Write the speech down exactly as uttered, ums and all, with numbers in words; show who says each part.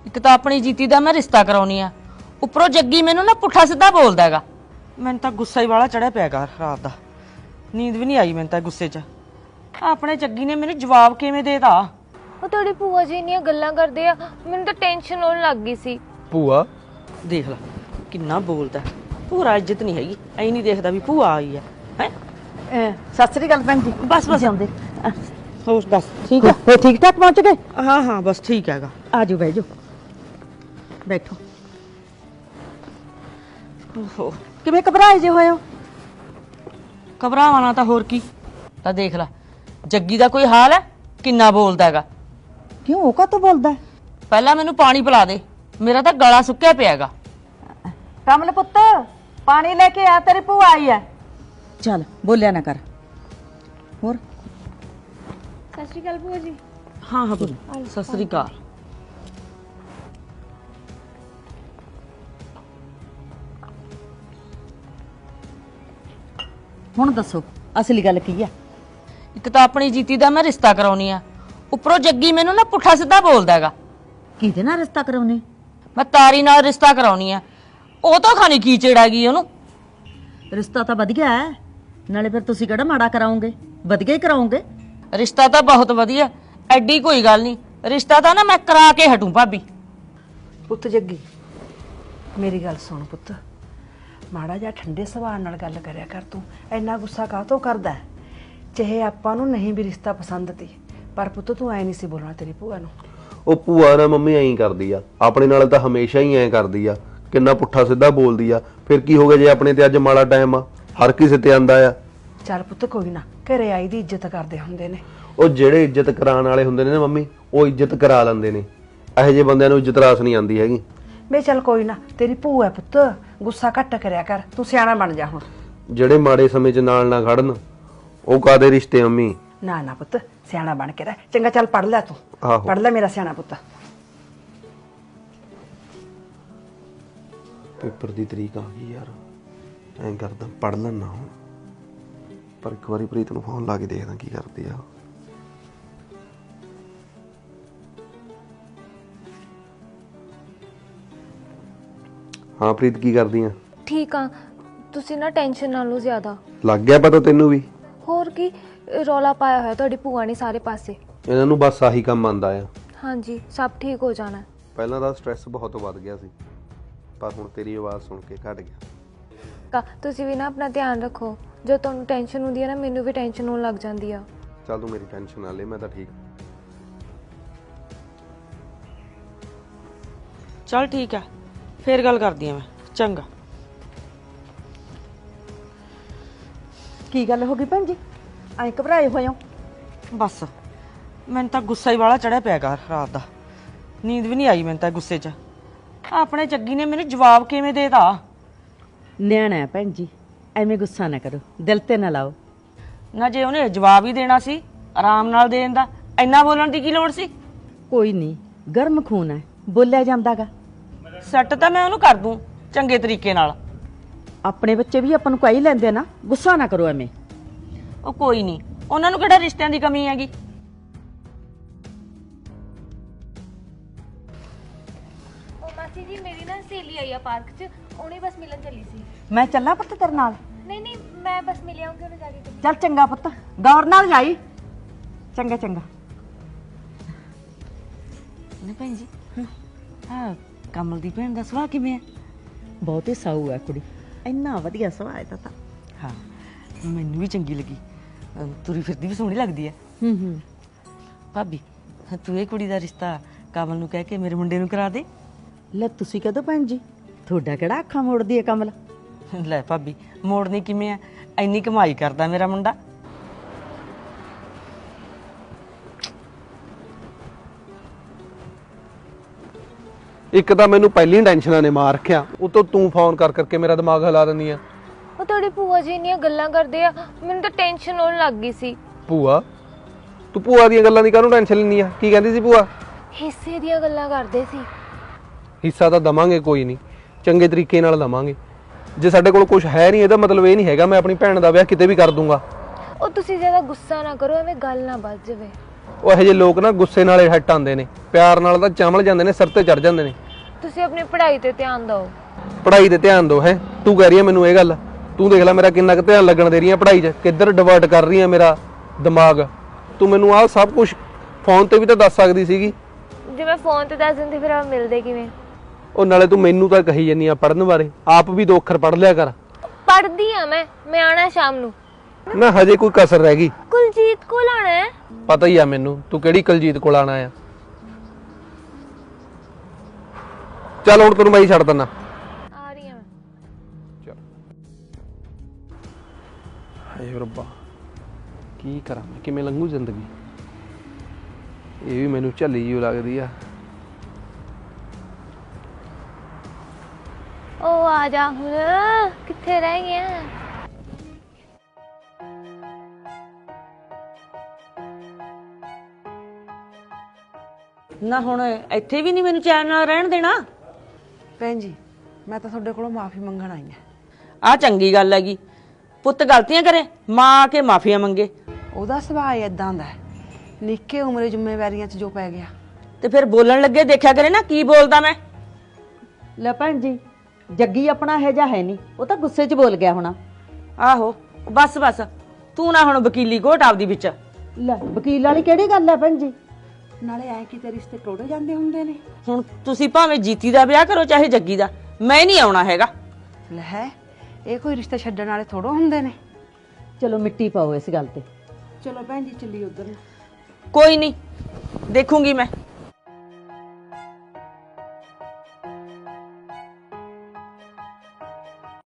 Speaker 1: एक तो अपनी जीती दा मैं रिश्ता कराउनी आ, उपरों जग्गी मैनू ना पुट्ठा सीधा बोलदा हैगा। मैनूं तां गुस्सा ही वाला चढ़िया पिया गा रात दा, नींद भी नहीं आई मैनूं तां गुस्से च। अपने जग्गी ने मैनूं जवाब किवें देता?
Speaker 2: ਉਹ ਤੁਹਾਡੀ ਭੂਆ ਜੀ ਇੰਨੀਆਂ ਗੱਲਾਂ ਕਰਦੇ ਆ, ਮੈਨੂੰ ਤਾਂ ਟੈਨਸ਼ਨ ਹੋਣ ਲੱਗ ਗਈ ਸੀ।
Speaker 3: ਭੂਆ
Speaker 1: देख ला किन्ना बोलदा, पूरा इज्जत नहीं हैगी, ऐ नहीं देखदा भी भूआ आई है हैं।
Speaker 4: सत श्री अकाल भैन जी।
Speaker 1: बस बस
Speaker 4: आंदे
Speaker 1: होश दस ठीक है?
Speaker 4: हो ठीक ठाक पहुंच गए?
Speaker 1: हाँ हाँ बस ठीक हैगा।
Speaker 4: आ जाओ बैठ जाओ, बैठो।
Speaker 1: ओहो
Speaker 4: किवें घबराए जे होए हो?
Speaker 1: घबरावां ना तां होर की, तां देख ला जग्गी दा कोई हाल है, किन्ना बोलदा हैगा।
Speaker 4: क्यों ओ का तो बोलदा है?
Speaker 1: पहला मैनू पानी पिला दे, मेरा तां गला सुक्किया पिया हैगा।
Speaker 4: कमल पुत्त पानी लेके आ, तेरी भूआ आई है। चल बोलिया ना कर। और
Speaker 2: ਸਤਿ ਸ਼੍ਰੀ ਅਕਾਲ ਭੂਆ ਜੀ।
Speaker 1: हाँ हाँ बोल सत श्री अकाल।
Speaker 4: हुण दसो असली गल की है?
Speaker 1: एक तो अपनी जीती दा मैं रिश्ता कराउनी आ, उपरों जग्गी मैनू ना पुट्ठा सीधा बोलदा हैगा।
Speaker 4: किहदे नाल रिश्ता कराउने?
Speaker 1: मैं तारी नाल रिश्ता कराउनी आ, ਉਹ ਤਾਂ ਖਾਣੀ ਕੀ ਚੇੜਾ ਗਈ ਉਹਨੂੰ।
Speaker 4: रिश्ता तो वधिया है, नाले फिर तुसीं किहड़ा माड़ा कराओगे, वधिया ही कराओगे।
Speaker 1: रिश्ता ਤਾਂ ਬਹੁਤ ਵਧੀਆ, ਐਡੀ ਕੋਈ ਗੱਲ ਨਹੀਂ, ਰਿਸ਼ਤਾ ਤਾਂ ਨਾ ਮੈਂ ਕਰਾ ਕੇ ਹਟੂ ਭਾਬੀ।
Speaker 5: ਪੁੱਤ ਜੱਗੀ ਮੇਰੀ ਗੱਲ ਸੁਣ ਪੁੱਤ, ਮਾੜਾ ਜਿਹਾ ਠੰਡੇ ਸੁਭਾਅ ਨਾਲ ਗੱਲ ਕਰਿਆ ਕਰ। ਤੂੰ ਇੰਨਾ ਗੁੱਸਾ ਕਾਹਤੋਂ ਕਰਦਾ ਹੈ? ਚਾਹੇ ਆਪਾਂ ਨੂੰ ਨਹੀਂ ਵੀ ਰਿਸ਼ਤਾ ਪਸੰਦ ਤੀ, ਪਰ ਪੁੱਤ ਤੂੰ ਐ ਨਹੀਂ ਸੀ ਬੋਲਣਾ ਤੇਰੀ ਭੂਆ ਨੂੰ।
Speaker 3: ਉਹ ਭੂਆ ਨਾ ਮੰਮੀ ਐਂ ਕਰਦੀ ਆ, ਆਪਣੇ ਨਾਲ ਤਾਂ ਹਮੇਸ਼ਾ ਹੀ ਐਂ ਕਰਦੀ ਆ, ਕਿੰਨਾ ਪੁੱਠਾ ਸਿੱਧਾ ਬੋਲਦੀ ਆ। ਫਿਰ ਕੀ ਹੋ ਗਿਆ ਜੇ ਆਪਣੇ ਤੇ ਅੱਜ ਮਾੜਾ ਟਾਈਮ ਆ, ਹਰ ਕਿਸੇ ਤੇ ਆਂਦਾ ਆ।
Speaker 5: ਚੱਲ ਪੁੱਤ ਕੋਈ ਨਾ, ਘਰੇ ਆਈ ਦੀ ਇੱਜ਼ਤ ਕਰਦੇ ਹੁੰਦੇ ਨੇ।
Speaker 3: ਉਹ ਜਿਹੜੇ ਇੱਜ਼ਤ ਕਰਾਉਣ ਵਾਲੇ ਹੁੰਦੇ ਨੇ ਨਾ ਮੰਮੀ, ਉਹ ਇੱਜ਼ਤ ਕਰਾ ਲੈਂਦੇ ਨੇ। ਇਹੋ ਜਿਹੇ ਬੰਦਿਆਂ ਨੂੰ ਇੱਜ਼ਤ ਰਾਸ ਨਹੀਂ ਆਉਂਦੀ ਹੈਗੀ।
Speaker 5: ਵੇ ਚੱਲ ਕੋਈ ਨਾ, ਤੇਰੀ ਭੂਆ ਹੈ ਪੁੱਤ, ਗੁੱਸਾ ਘੱਟ ਕਰਿਆ ਕਰ, ਤੂੰ ਸਿਆਣਾ ਬਣ ਜਾ ਹੁਣ।
Speaker 3: ਜਿਹੜੇ ਮਾੜੇ ਸਮੇਂ 'ਚ ਨਾਲ ਨਾ ਖੜਨ, ਉਹ ਕਾਦੇ ਰਿਸ਼ਤੇ ਮੰਮੀ।
Speaker 5: ਨਾ ਨਾ ਪੁੱਤ ਸਿਆਣਾ ਬਣ ਕੇ ਰਹਿ, ਚੰਗਾ ਚੱਲ ਪੜ ਲੈ ਤੂੰ,
Speaker 3: ਆਹੋ
Speaker 5: ਪੜ ਲੈ ਮੇਰਾ ਸਿਆਣਾ ਪੁੱਤ।
Speaker 3: ਪੇਪਰ ਦੀ ਤਰੀਕ ਆ ਗਈ ਯਾਰ, ਐਂ ਕਰਦਾ ਪੜ ਲੈਣਾ ਹੁਣ, ਪਰ ਇੱਕ ਵਾਰੀ ਪ੍ਰੀਤ ਨੂੰ ਫੋਨ ਲਾ ਕੇ ਦੇਖਦਾ ਕੀ ਕਰਦੀ ਆ। ਹਾਂ ਪ੍ਰੀਤ ਕੀ ਕਰਦੀ ਆ?
Speaker 2: ਠੀਕ ਆ, ਤੁਸੀਂ ਨਾ ਟੈਨਸ਼ਨ ਨਾ ਲਓ ਜ਼ਿਆਦਾ।
Speaker 3: ਲੱਗ ਗਿਆ ਪਤਾ ਤੈਨੂੰ ਵੀ?
Speaker 2: ਹੋਰ ਕੀ ਰੌਲਾ ਪਾਇਆ ਹੋਇਆ ਤੁਹਾਡੀ ਭੂਆ ਨੇ ਸਾਰੇ ਪਾਸੇ।
Speaker 3: ਇਹਨਾਂ ਨੂੰ ਬਸ ਆਹੀ ਕੰਮ ਆਂਦਾ ਆ।
Speaker 2: ਹਾਂਜੀ ਸਭ ਠੀਕ ਹੋ ਜਾਣਾ।
Speaker 3: ਪਹਿਲਾਂ ਤਾਂ ਸਟ੍ਰੈਸ ਬਹੁਤ ਵੱਧ ਗਿਆ ਸੀ, ਪਰ ਹੁਣ ਤੇਰੀ ਆਵਾਜ਼ ਸੁਣ ਕੇ ਘਟ ਗਿਆ।
Speaker 2: ਕਾ ਤੁਸੀਂ ਵੀ ਨਾ ਆਪਣਾ ਧਿਆਨ ਰੱਖੋ, ਜੋ ਤੁਹਾਨੂੰ ਟੈਨਸ਼ਨ ਹੁੰਦੀ ਹੈ ਨਾ, ਮੈਨੂੰ ਵੀ ਟੈਨਸ਼ਨ ਹੋਣ ਲੱਗ ਜਾਂਦੀ ਆ।
Speaker 3: ਚੱਲ ਤੂੰ ਮੇਰੀ ਟੈਨਸ਼ਨ ਨਾ ਲੈ, ਮੈਂ ਤਾਂ ਠੀਕ।
Speaker 1: चल ठीक है, फिर गल करदी मैं। चंगा।
Speaker 4: की गल हो गई भैन जी, ऐ घबराए होए हो?
Speaker 1: बस मैनूं तां गुस्सा ही वाला चढ़िया पिया गा रात दा, नींद भी नहीं आई मैनूं तां गुस्से च। अपने जग्गी ने मैनूं जवाब किवें देता?
Speaker 4: न्याणा है भैन जी, एवें गुस्सा ना करो, दिल ते ना लाओ
Speaker 1: ना। जे उन्हें जवाब ही देना सी आराम नाल देण दा, इन्ना बोलण दी की लोड़ सी?
Speaker 4: कोई नहीं, गर्म खून है, बोलिया जांदा गा।
Speaker 1: सैट तां मैं उहनूं कर दूं चंगे तरीके नाल।
Speaker 4: अपने बच्चे भी अपन को ही लेंदे ना, गुस्सा ना करो एवें।
Speaker 1: ओ कोई नहीं, उन्हां नूं किहड़ा रिश्तिਆਂ दी कमी हैगी।
Speaker 2: ओ मासी जी मेरी ना सहेली आई आ पार्क च, ਉਹਨੇ बस मिलन चली सी।
Speaker 4: मैं चलना पुत्त तेरे नाल?
Speaker 2: नहीं नहीं मैं बस मिल आऊंगी उन्हें जाके।
Speaker 4: चल चंगा पुत्त, गौर नाल जाई। चंगा चंगा।
Speaker 1: ने भैन जी हां कमल दी भैन दा सुभाਅ किवें है?
Speaker 4: बहुत ही साऊ है कुड़ी, इन्ना वधिया सुभाਅ है तां।
Speaker 1: हाँ मैनूं भी चंगी लगी, तुरी फिरदी भी सोहणी लगदी है।
Speaker 4: हूं हूं
Speaker 1: भाभी तू ये कुड़ी दा रिश्ता कमल नूं कह के मेरे मुंडे नूं करा दे।
Speaker 4: ले तुसी कदों भैन जी, थोड़ा किहड़ा अखां मोड़दी है कमल?
Speaker 1: ले भाभी मोड़नी किवें है, इन्नी कमाई करदा मेरा मुंडा।
Speaker 3: ਇੱਕ ਤਾਂ ਮੈਨੂੰ ਪਹਿਲੀ ਟੈਨਸ਼ਨਾਂ ਨੇ ਮਾਰ ਰੱਖਿਆ, ਉਤੋਂ ਤੂੰ ਫੋਨ ਕਰ ਕਰਕੇ ਮੇਰਾ ਦਿਮਾਗ ਹਿਲਾ ਦਿੰਦੀ ਆ।
Speaker 2: ਉਹ ਤੁਹਾਡੀ ਭੂਆ ਜੀ ਇੰਨੀਆਂ ਗੱਲਾਂ ਕਰਦੇ ਆ, ਮੈਨੂੰ ਤਾਂ ਟੈਨਸ਼ਨ ਹੋਣ ਲੱਗ ਗਈ ਸੀ।
Speaker 3: ਭੂਆ? ਤੂੰ ਭੂਆ ਦੀਆਂ ਗੱਲਾਂ ਦੀ ਕਾਹਨੂੰ ਟੈਨਸ਼ਨ ਲੈਂਦੀ ਆ? ਕੀ ਕਹਿੰਦੀ ਸੀ ਭੂਆ?
Speaker 2: ਹਿੱਸੇ ਦੀਆਂ ਗੱਲਾਂ ਕਰਦੇ ਸੀ।
Speaker 3: ਹਿੱਸਾ ਤਾਂ ਦਵਾਂਗੇ, ਕੋਈ ਨਹੀਂ, ਚੰਗੇ ਤਰੀਕੇ ਨਾਲ ਦਵਾਂਗੇ। ਜੇ ਸਾਡੇ ਕੋਲ ਕੁਝ ਹੈ ਨਹੀਂ, ਇਹਦਾ ਮਤਲਬ ਇਹ ਨਹੀਂ ਹੈਗਾ ਮੈਂ ਆਪਣੀ ਭੈਣ ਦਾ ਵਿਆਹ ਕਿਤੇ ਵੀ ਕਰ ਦੂੰਗਾ।
Speaker 2: ਉਹ ਤੁਸੀਂ ਜ਼ਿਆਦਾ ਗੁੱਸਾ ਨਾ ਕਰੋ, ਐਵੇਂ ਗੱਲ ਨਾ ਵੱਜ ਜਾਵੇ।
Speaker 3: ਉਹ ਇਹੋ ਜਿਹੇ ਲੋਕ ਨਾ ਗੁੱਸੇ ਨਾਲੇ ਹਟ ਆਉਂਦੇ ਨੇ, ਪਿਆਰ ਨਾਲ ਤਾਂ ਚਮਲ ਜਾਂਦੇ ਨੇ, ਸਿਰ ਤੇ ਚੜ ਜਾਂਦੇ ਨੇ।
Speaker 2: ਤੁਸੀਂ ਆਪਣੀ ਪੜ੍ਹਾਈ ਤੇ ਧਿਆਨ ਦਿਓ।
Speaker 3: ਪੜ੍ਹਾਈ ਤੇ ਧਿਆਨ ਦਿਓ ਹੈ? ਤੂੰ ਕਹਿ ਰਹੀ ਹੈ ਮੈਨੂੰ ਇਹ ਗੱਲ? ਤੂੰ ਦੇਖ ਲੈ ਮੇਰਾ ਕਿੰਨਾ ਕੁ ਧਿਆਨ ਲੱਗਣ ਦੇ ਰਹੀ ਹੈ ਪੜ੍ਹਾਈ 'ਚ, ਕਿੱਧਰ ਡਿਵਰਟ ਕਰ ਰਹੀ ਹੈ ਮੇਰਾ ਦਿਮਾਗ। ਤੂੰ ਮੈਨੂੰ ਆਹ ਸਭ ਕੁਝ ਫੋਨ ਤੇ ਵੀ ਤਾਂ ਦੱਸ ਸਕਦੀ ਸੀਗੀ।
Speaker 2: ਜੇ ਮੈਂ ਫੋਨ ਤੇ ਦੱਸ ਦਿੰਦੀ ਫਿਰ ਆਪਾਂ ਮਿਲਦੇ ਕਿਵੇਂ?
Speaker 3: ਉਹ ਨਾਲੇ ਤੂੰ ਮੈਨੂੰ ਤਾਂ ਕਹੀ ਜੰਨੀ ਆ ਪੜ੍ਹਨ ਬਾਰੇ, ਆਪ ਵੀ ਦੋ ਅੱਖਰ ਪੜ੍ਹ ਲਿਆ ਕਰ।
Speaker 2: ਪੜ੍ਹਦੀ ਆ ਮੈਂ ਮੈਂ ਆਣਾ ਸ਼ਾਮ ਨੂੰ।
Speaker 3: ਨਾ ਹਜੇ ਕੋਈ ਕਸਰ ਰਹਿ ਗਈ?
Speaker 2: ਕੁਲਜੀਤ ਕੋਲ ਆਣਾ ਹੈ।
Speaker 3: ਪਤਾ ਹੀ ਆ ਮੈਨੂੰ ਤੂੰ ਕਿਹੜੀ ਕੁਲਜੀਤ ਕੋਲ ਆਣਾ ਆ। ਚੱਲ ਹੁਣ ਤੈਨੂੰ ਮੈਂ ਹੀ ਛੱਡ ਦਿੰਦਾ।
Speaker 2: ਆ ਰਹੀ ਆ ਮੈਂ।
Speaker 3: ਚੱਲ ਹਾਏ ਰੱਬਾ, ਕੀ ਕਰਾਂ ਮੈਂ, ਕਿਵੇਂ ਲੰਘੂ ਜ਼ਿੰਦਗੀ? ਇਹ ਵੀ ਮੈਨੂੰ ਝੱਲੀ ਜਿਹੀ ਲੱਗਦੀ ਆ।
Speaker 2: ਉਹ ਆ ਜਾ ਹੁਣ, ਕਿੱਥੇ ਰਹਿ ਗਿਆ?
Speaker 1: ਨਾ ਹੁਣ ਇੱਥੇ ਵੀ ਨਹੀਂ ਮੈਨੂੰ ਚੈਨ ਨਾਲ ਰਹਿਣ ਦੇਣਾ?
Speaker 5: ਭੈਣ ਜੀ ਮੈਂ ਤਾਂ ਤੁਹਾਡੇ ਕੋਲੋਂ ਮਾਫੀ ਮੰਗਣ ਆਈ ਹਾਂ।
Speaker 1: ਆ ਚੰਗੀ ਗੱਲ ਹੈਗੀ, ਪੁੱਤ ਗਲਤੀਆਂ ਕਰੇ ਮਾਂ ਆ ਕੇ ਮਾਫੀਆਂ ਮੰਗੇ।
Speaker 5: ਉਹਦਾ ਸੁਭਾਅ ਇਦਾਂ ਦਾ ਹੈ, ਨਿੱਕੇ ਉਮਰੇ ਜ਼ਿੰਮੇਵਾਰੀਆਂ 'ਚ ਜੋ ਪੈ ਗਿਆ।
Speaker 1: ਤੇ ਫਿਰ ਬੋਲਣ ਲੱਗੇ ਦੇਖਿਆ ਕਰੇ ਨਾ ਕੀ ਬੋਲਦਾ ਮੈਂ।
Speaker 4: ਲੈ ਭੈਣ ਜੀ, ਜੱਗੀ ਆਪਣਾ ਇਹ ਜਿਹਾ ਹੈ ਨਹੀਂ, ਉਹ ਤਾਂ ਗੁੱਸੇ 'ਚ ਬੋਲ ਗਿਆ ਹੋਣਾ।
Speaker 1: ਆਹੋ ਬਸ ਬਸ, ਤੂੰ ਨਾ ਹੁਣ ਵਕੀਲੀ ਘੋਟ ਆਪਦੀ ਵਿੱਚ।
Speaker 4: ਲੈ ਵਕੀਲ ਵਾਲੀ ਕਿਹੜੀ ਗੱਲ ਹੈ ਭੈਣ ਜੀ?
Speaker 5: ਨਾਲੇ ਐ ਕਿ ਤੇ ਰਿਸ਼ਤੇ ਟੋੜੇ ਜਾਂਦੇ ਹੁੰਦੇ ਨੇ।
Speaker 1: ਹੁਣ ਤੁਸੀਂ ਭਾਵੇਂ ਜੀਤੀ ਦਾ ਵਿਆਹ ਕਰੋ ਚਾਹੇ ਜੱਗੀ ਦਾ, ਮੈਂ ਨਹੀਂ ਆਉਣਾ ਹੈਗਾ।
Speaker 5: ਲੈ ਇਹ ਕੋਈ ਰਿਸ਼ਤੇ ਛੱਡਣ ਵਾਲੇ ਥੋੜੋ ਹੁੰਦੇ ਨੇ।
Speaker 4: ਚਲੋ ਮਿੱਟੀ ਪਾਓ ਇਸ ਗੱਲ ਤੇ।
Speaker 5: ਚਲੋ ਭੈਣ ਜੀ ਚੱਲੀ ਉਧਰ ਨੂੰ।
Speaker 1: ਕੋਈ ਨਹੀਂ, ਦੇਖੂੰਗੀ ਮੈਂ।